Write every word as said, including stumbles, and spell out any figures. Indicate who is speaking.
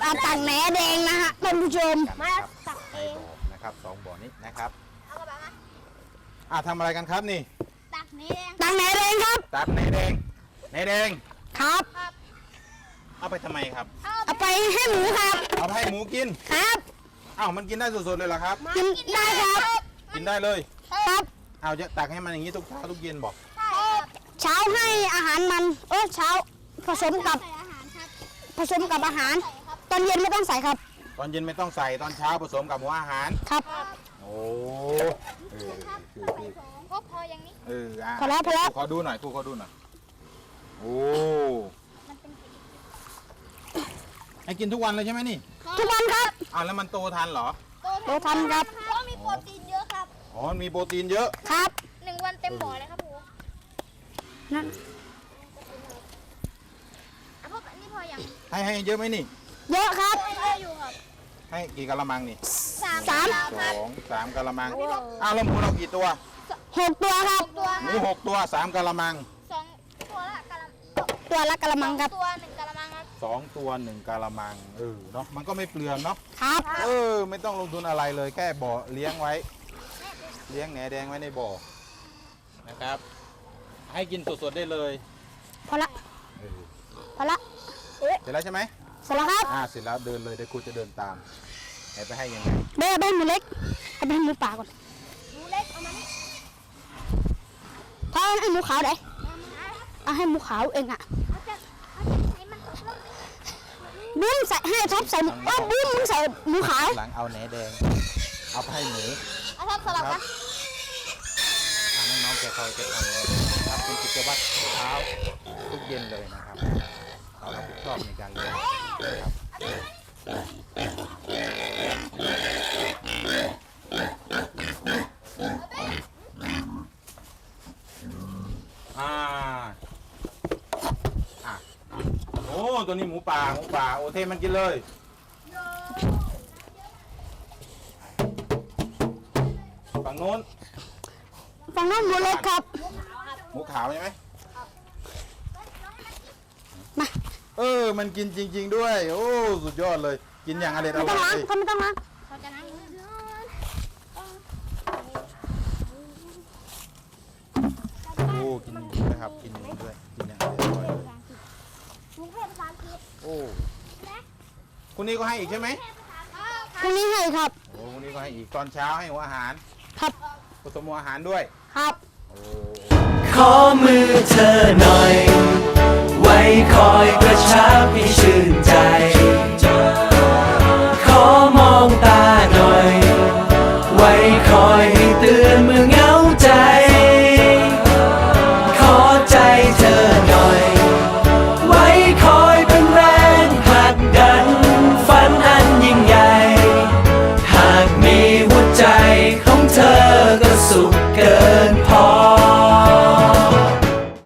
Speaker 1: อาตังแหนแดงนะฮะท่านผู้ชม
Speaker 2: มาตักเอง
Speaker 3: นะครับสองบ่อนี้นะครับอ่าทำอะไรกันครับนี่
Speaker 2: ตักแหนแดง
Speaker 1: ตังแหนแดงครับ
Speaker 3: ตักแหนแดงแหนแดง
Speaker 1: ครับ
Speaker 3: เอาไปทำไมครับ
Speaker 1: เอาไปให้หมูครับ
Speaker 3: เอาไปให้หมูกิน
Speaker 1: ครับ
Speaker 3: อ้าวมันกินได้สดๆเลยเหรอครับ
Speaker 1: กินได้ครับ
Speaker 3: กินได้เลย
Speaker 1: ครับ
Speaker 3: เอาจะตักให้มันอย่างนี้ทุกเช้าทุกเย็นบอก
Speaker 1: เช้าให้อาหารมันเออเช้าผสมกับผสมกับอาหารตอนเย็นไม่ต้องใส่ครับ
Speaker 3: ตอนเย็นไม่ต้องใส่ตอนเช้าผสมกับหัวอาหาร
Speaker 1: ครับ
Speaker 3: โอ้เออคือคือ
Speaker 2: ก็พออย่างนี้
Speaker 3: เอออ่ะ
Speaker 1: พอแล้วพอแล้ว
Speaker 3: ขอดูหน่อยครูขอดูหน่อยโอ้ให้กินทุกวันเลยใช่ไหมนี่
Speaker 1: ทุกวันครับ
Speaker 3: อ่าแล้วมันโตทันเหรอ
Speaker 1: โตทันครับ
Speaker 2: เพราะมีโปรตีนเยอะครับ
Speaker 3: อ๋อมีโปรตีนเยอะ
Speaker 1: ครับ
Speaker 2: หนึ่งวันเต็มบ่อเลยครับครู
Speaker 1: นั่น
Speaker 2: อ่ะพวกนี้พออย่าง
Speaker 3: ให้ให้เยอะไหมนี่
Speaker 1: เยอะครับ
Speaker 2: เยอะอยู่ครับ
Speaker 3: ให้กี่กะละมังนี่
Speaker 2: สาม
Speaker 1: สาม
Speaker 3: สองสามกะละมังอ้าวแล้วหมูเรากี่ตัว
Speaker 1: หกตัวครับ
Speaker 3: หมูหกตัวสามกะละมัง
Speaker 2: สองตัวละกะละ
Speaker 1: ตัวละกะละมังครับ
Speaker 2: ตัวหนึ่งกะละมังครับ
Speaker 3: สองตัวหนึ่งกะละมังเออเนาะมันก็ไม่เปลืองเนาะ
Speaker 1: ครับ
Speaker 3: เออไม่ต้องลงทุนอะไรเลยแค่บ่อเลี้ยงไว้เลี้ยงแหนแดงไว้ในบ่อนะครับให้กินสดๆได้เลย
Speaker 1: พอละพอละ
Speaker 3: เสร็จแล้วใช่ไหม
Speaker 1: เสร็จแล้วครับ
Speaker 3: อ่าเสร็จแล้วเดินเลยเดี๋ยวครูจะเดินตามไหนไปให้ยังไง
Speaker 1: เบ้เบ้หมูเล็กเอาไปให้หมูป่าก่อน
Speaker 2: หมูเล็กเอามานี่
Speaker 1: ถ้าให้หมูขาวได้เอาให้หมูขาวเองอ่ะบุ้มใส่ให้ท็อปใส่โอ้บุ้มมึงใส่หมูขาว
Speaker 3: หลังเอาแหนแดงเอาไปให้หมู
Speaker 2: เอาท็อปสลับกัน
Speaker 3: น้องๆแกคอยจะทำนะครับเป็นกิจวัตรเช้าทุกเย็นเลยนะครับเรารับผิดชอบในการเลี้ยงนะครับอ่าอ่ะโอ้ตัวนี้หมูป่าหมูป่าโอเทมันกินเลยฝั่งโน้น
Speaker 1: ฝั่งนั้นหมูเล็กครับ
Speaker 3: หมูขาวใช่ไหม
Speaker 1: มา
Speaker 3: เออมันกินจริงๆด้วยโอ้สุดยอดเลยกินอย่างอร่อยอร่อย
Speaker 1: ไม่ต้องล้างเขาไม่ต้องล้าง
Speaker 2: เขาจะล้างมือ
Speaker 3: โอ้กินนะครับกินด้วยกินอย่างอร่อยเลยโอ้คุณนี่ก็ให้อีกใช่ไหม
Speaker 1: พรุ่งนี้ให้ครับ
Speaker 3: โอ้คุณนี่ก็ให้อีกตอนเช้าให้หัวอาหาร
Speaker 1: ครับ
Speaker 3: ผสมหัวอาหารด้วย
Speaker 1: ครับ
Speaker 3: โอ้
Speaker 4: ขอมือเธอหน่อย